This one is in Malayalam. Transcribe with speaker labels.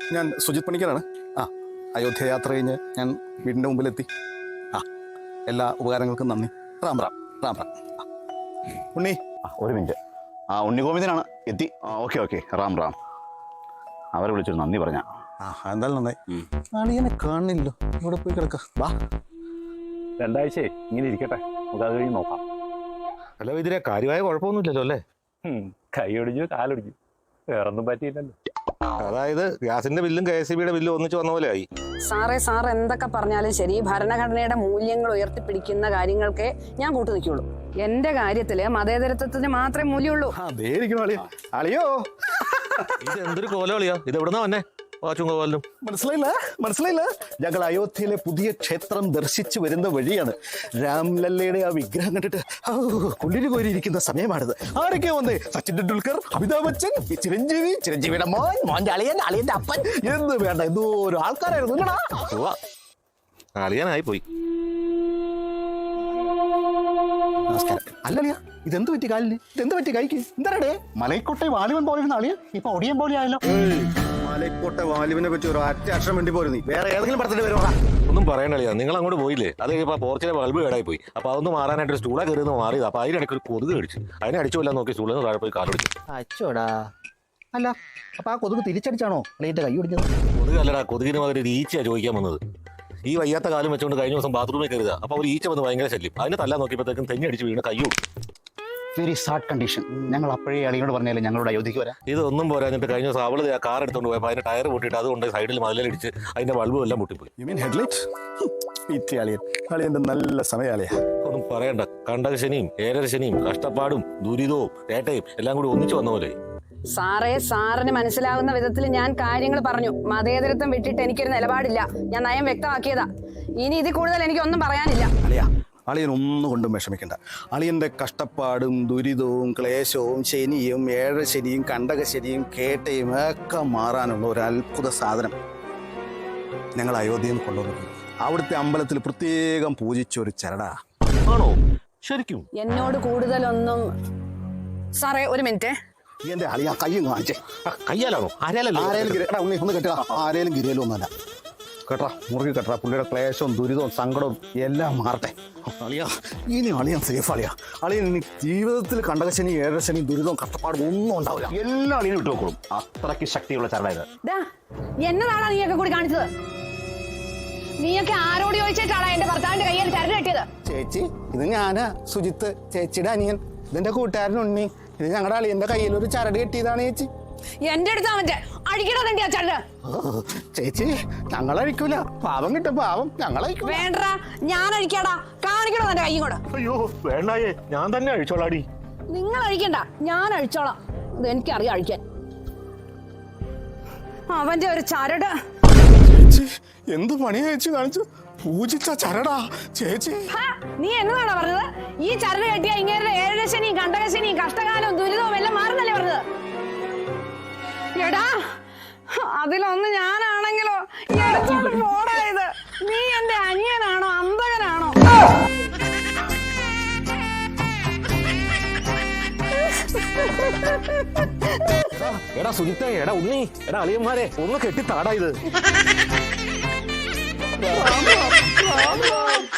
Speaker 1: ഞാൻ സുജിത് പണിക്കരാണ്. അയോധ്യ യാത്ര കഴിഞ്ഞ് ഞാൻ വീടിൻ്റെ മുമ്പിലെത്തി. എല്ലാ ഉപകാരങ്ങൾക്കും നന്ദി. റാം റാം റാം റാം. ഉണ്ണി
Speaker 2: ഒരു മിനിറ്റ്. ഉണ്ണി ഗോവിന്ദനാണ് എത്തി. ഓക്കെ റാം റാം. അവരെ വിളിച്ചൊരു നന്ദി പറഞ്ഞ.
Speaker 1: എന്തായാലും നന്നായി. അളിയനെ കാണില്ലല്ലോ, ഇവിടെ പോയി കിടക്ക. വാ,
Speaker 3: 2 ആഴ്ച ഇങ്ങനെ ഇരിക്കട്ടെ, നമുക്ക് അത് കഴിഞ്ഞ് നോക്കാം.
Speaker 4: അല്ല ഇതിലെ കാര്യമായ കുഴപ്പമൊന്നുമില്ലല്ലോ അല്ലേ?
Speaker 3: കൈ ഒടിഞ്ഞു കാലൊടിഞ്ഞു, വേറൊന്നും പറ്റിയില്ലല്ലോ.
Speaker 4: അതായത് ഗ്യാസിന്റെ ബില്ലും KSEB ബില്ലും ഒന്നിച്ച് വന്ന പോലെ ആയി.
Speaker 5: സാർ എന്തൊക്കെ പറഞ്ഞാലും ശരി, ഭരണഘടനയുടെ മൂല്യങ്ങൾ ഉയർത്തിപ്പിടിക്കുന്ന കാര്യങ്ങൾക്ക് ഞാൻ കൂട്ടു നിൽക്കുള്ളൂ. എന്റെ കാര്യത്തില് മതേതരത്വത്തിന് മാത്രമേ മൂല്യമുള്ളൂ.
Speaker 1: അളിയോ
Speaker 4: ഇത് എന്തൊരു കോലളിയാ, ഇത് എവിടുന്നാ വന്നെ?
Speaker 1: മനസ്സിലായില്ല. ഞങ്ങൾ അയോധ്യയിലെ പുതിയ ക്ഷേത്രം ദർശിച്ചു വരുന്ന വഴിയാണ്. രാംലല്ലയുടെ ആ വിഗ്രഹം കണ്ടിട്ട് കുളിര് കോരിയിരിക്കുന്ന സമയമാണിത്. ആരൊക്കെ വന്നേ? സച്ചിൻ ടെണ്ടുൽക്കർ, അമിതാഭ് ബച്ചൻ, ചിരഞ്ജീവിയുടെ മോന്റെ അളിയന്റെ അപ്പൻ എന്ന് വേണ്ട എന്തോരോ ആൾക്കാരായിരുന്നു.
Speaker 4: അളിയാനായി പോയി.
Speaker 1: നമസ്കാരം. അല്ലളിയാ, ഇതെന്ത് പറ്റി കാലിന്? ഇതെന്ത് പറ്റി കൈക്ക്? എന്താടേ?
Speaker 2: മലൈക്കോട്ടെ വാലിബൻ പോലെ അളിയൻ ഇപ്പൊ ഒടിയൻ പോലെ ആയല്ലോ.
Speaker 1: മലൈക്കോട്ടെ വാലിബിനെ പറ്റി ഒരു ഒറ്റ അക്ഷരം വേണ്ടി പോരും. നീ വേറെ ഏതെങ്കിലും പടത്തിന്റെ പേരോടാ?
Speaker 4: ഒന്നും പറയണളിയാ, നിങ്ങൾ അങ്ങോട്ട് പോയില്ലേ? അത് കഴിയുമ്പോൾ പോർച്ചിലെ ബൾബ് കേടായി പോയി. അപ്പൊ അതൊന്ന് മാറാനായിട്ട് ഒരു സ്റ്റൂളെ കയറി മാറിയത്. അപ്പൊ അതിനിടയ്ക്ക് ഒരു കൊതുക് കടിച്ചു. അതിനെ അടിച്ചുകൊല്ലാൻ നോക്കി സ്റ്റൂളിൽ നിന്ന് താഴെ പോയി കാലൊടിച്ചു.
Speaker 2: അച്ചോടാ. അല്ല അപ്പൊ ആ കൊതുക് തിരിച്ചടിച്ചാണോ അളിയന്റെ കൈ ഒടിഞ്ഞത്?
Speaker 4: കൊതുക് അല്ലടാ, കൊതുകിന് പകരം ഒരു ഈച്ചയാ ചോദിക്കാൻ വന്നത്. ഈ വയ്യാത്ത കാലം വെച്ചുകൊണ്ട് കഴിഞ്ഞ ദിവസം ബാത്റൂമിൽ കയറുക. അപ്പൊ ഒരു ഈച്ച വന്ന് ഭയങ്കര ശല്യം. അതിനെ തല്ലാൻ നോക്കിയപ്പോഴത്തേക്കും തെങ്ങി അടിച്ച് വീണ് കൈ കൊടുത്തു.
Speaker 2: Very sad condition. ഞങ്ങൾ അപ്പോഴേ അളിയോട് പറഞ്ഞാലേ ഞങ്ങളുടെ അയോധ്യക്ക് വരാം.
Speaker 4: ഇതൊന്നും പോരാഞ്ഞിട്ട് കഴിഞ്ഞ ദിവസം അവള് കാർ എടുത്തോണ്ട് പോയപ്പോൾ അതിന്റെ ടയർ പൊട്ടിയിട്ട് അതുകൊണ്ട് സൈഡിൽ മതിലടിച്ച് അതിന്റെ ബൾബും എല്ലാം പൊട്ടിപ്പോയി.
Speaker 1: അളിയന്റെ നല്ല സമയാളിയാ.
Speaker 4: ഒന്നും പറയണ്ട, കണ്ടകശനിയും ഏഴരശനിയും കഷ്ടപ്പാടും ദുരിതവും ഏട്ടയും എല്ലാം കൂടി ഒന്നിച്ചു വന്ന പോലെ.
Speaker 5: സാറിന് മനസ്സിലാവുന്ന വിധത്തിൽ ഞാൻ കാര്യങ്ങൾ പറഞ്ഞു. മതേതരത്വം വിട്ടിട്ട് എനിക്കൊരു നിലപാടില്ല. ഞാൻ നയം വ്യക്തമാക്കിയതാ. ഇനി ഇതിൽ കൂടുതൽ എനിക്കൊന്നും പറയാനില്ല.
Speaker 1: അളിയൻ ഒന്നുകൊണ്ടും വിഷമിക്കണ്ട. അളിയന്റെ കഷ്ടപ്പാടും ദുരിതവും ക്ലേശവും ശനിയും ഏഴരശനിയും കണ്ടകശനിയും കേട്ടയും ഒക്കെ മാറാനുള്ള ഒരു അത്ഭുത സാധനം ഞങ്ങൾ അയോധ്യയിൽ നിന്ന് കൊണ്ടുവന്നു. അവിടുത്തെ അമ്പലത്തിൽ പ്രത്യേകം പൂജിച്ചൊരു ചരടാ.
Speaker 4: ആണോ? ശരിക്കും?
Speaker 5: എന്നോട് കൂടുതലൊന്നും. സാറേ ഒരു മിനിറ്റ്.
Speaker 1: എന്റെ അളിയ കയ്യും കാണിച്ചേ.
Speaker 4: കയ്യാലാണോ?
Speaker 1: ഒന്ന് കെട്ടാ. ആരേലും ഗിരിയലും ഒന്നല്ല കേട്ടാ. മുറുകി കെട്ടാ. പുള്ളിയുടെ ക്ലേശവും ദുരിതവും സങ്കടവും എല്ലാം മാറട്ടെ. അളിയ ഇനി അളിയൻ സേഫ്. അളിയൻ ഇനി ജീവിതത്തിൽ കണ്ടകശനി ഏഴരശനി ദുരിതവും കഷ്ടപ്പാടും ഒന്നും ഉണ്ടാവില്ല.
Speaker 2: എല്ലാ അളിയനും വിട്ടു നോക്കണം. അത്രയ്ക്ക് ശക്തിയുള്ള ചരടായത്.
Speaker 5: എന്നതാണോ നീയൊക്കെ കൂടി കാണിച്ചത്? നീയൊക്കെ ആരോട് ചോദിച്ചിട്ടാണ് എന്റെ ഭർത്താവിന്റെ കയ്യിൽ ചരട് കെട്ടിയത്?
Speaker 1: ചേച്ചി, ഇത് ഞാനാ സുജിത്ത്, ചേച്ചിയുടെ അനിയൻ. ഇതെന്റെ കൂട്ടുകാരൻ ഉണ്ണി. ഇത് ഞങ്ങളുടെ അളിയന്റെ കയ്യിൽ ഒരു ചരട് കെട്ടിയതാണ് ചേച്ചി.
Speaker 5: എന്റെ അടുത്ത് അവന്റെ അടിക്കണോ തന്റെ ആ ചരട്?
Speaker 1: ചേച്ചി, ഞങ്ങൾ അഴിക്കൂല. പാവം കിട്ടും, പാവം ഞങ്ങൾ അഴിക്കൂല.
Speaker 5: വേണ്ട, ഞാൻ അഴിക്കാടാ. കാണിക്കണോ തന്റെ കൈയും കൂടെ?
Speaker 4: അയ്യോ വേണ്ടായേ, ഞാൻ തന്നെ അഴിച്ചോളാടി.
Speaker 5: നിങ്ങൾ അഴിക്കണ്ട, ഞാൻ അഴിച്ചോളാം. ഇത് എനിക്കറിയാം അഴിക്കാൻ. അവന്റെ ഒരു ചരട്.
Speaker 1: ചേച്ചി, എന്ത് പണിയാ ചേച്ചി കാണിച്ചു? പൂജിച്ച ചരടാ ചേച്ചി.
Speaker 5: നീ എന്നതാണോ പറഞ്ഞത്? ഈ ചരട് കെട്ടിയ ഇങ്ങനെ ഏഴരശനിയും കണ്ടകശനിയും കഷ്ടകാലവും ദുരിതവും എല്ലാം മാറുന്നല്ലേ പറഞ്ഞത്? എടാ, അതിലൊന്ന് ഞാനാണെങ്കിലോ. പോടായത്. നീ എന്റെ അനിയനാണോ അന്തകനാണോ?
Speaker 4: എടാ സുജിത്തേ, എടാ ഉണ്ണി, എടാ അളിയന്മാരെ, ഒന്ന് കെട്ടി താടാ ഇത്.